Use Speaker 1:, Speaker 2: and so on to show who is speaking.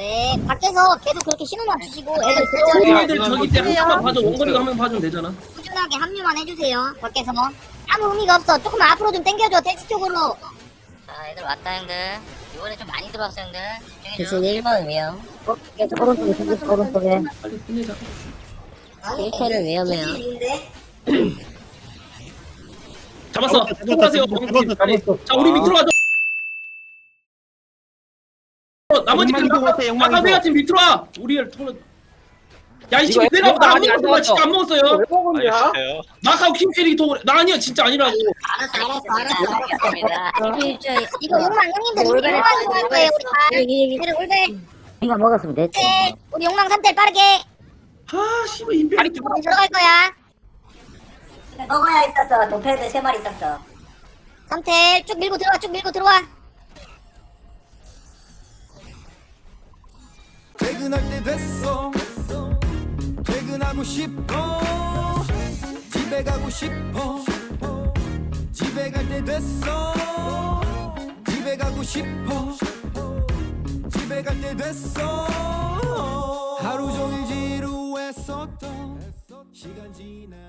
Speaker 1: 네, 밖에서 계속 그렇게 신호만 주시고 애들
Speaker 2: 애들 저기 때 한 명만 봐줘. 원거리가 한 명 봐주면 되잖아.
Speaker 1: 꾸준하게 합류만 해주세요. 밖에서 아무 의미가 없어. 조금만 앞으로 좀 당겨줘. 택시 쪽으로.
Speaker 3: 자, 애들 왔다, 형들. 이번에 좀 많이 들어왔어, 형들.
Speaker 4: 대신 1번 위험.
Speaker 1: 오른쪽에.
Speaker 2: 빨리 끝내자.
Speaker 4: 1캐는 위험해요.
Speaker 2: 잡았어. 통과하세요. 자, 우리 밑으로 가죠. 나머지 팀 아까 내가 팀 밑으로 와. 우리를 통로. 야이 친구 내가 나안 먹었어. 진짜 안 먹었어요.
Speaker 5: 알겠어요.
Speaker 2: 마카오 킹캐리 통을 나 아니야 진짜 아니라고.
Speaker 1: 이거 욕망 형님들 이제 욕망 할 거예요. 우리 다. 올배.
Speaker 4: 이거 먹었으면 됐지.
Speaker 1: 네, 우리 욕망 3대 빠르게.
Speaker 2: 아 씨발 인베리.
Speaker 1: 들어갈 거야.
Speaker 4: 먹어야 있었어. 도패드 3마리 있었어.
Speaker 1: 3텔 쭉 밀고 들어와. 쭉 밀고 들어와.
Speaker 6: 퇴근할 때 됐어. 퇴근하고 싶어. 집에 가고 싶어. 집에 갈 때 됐어. 집에 가고 싶어. 집에 갈 때 됐어. 하루 종일 지루했었던 시간 지나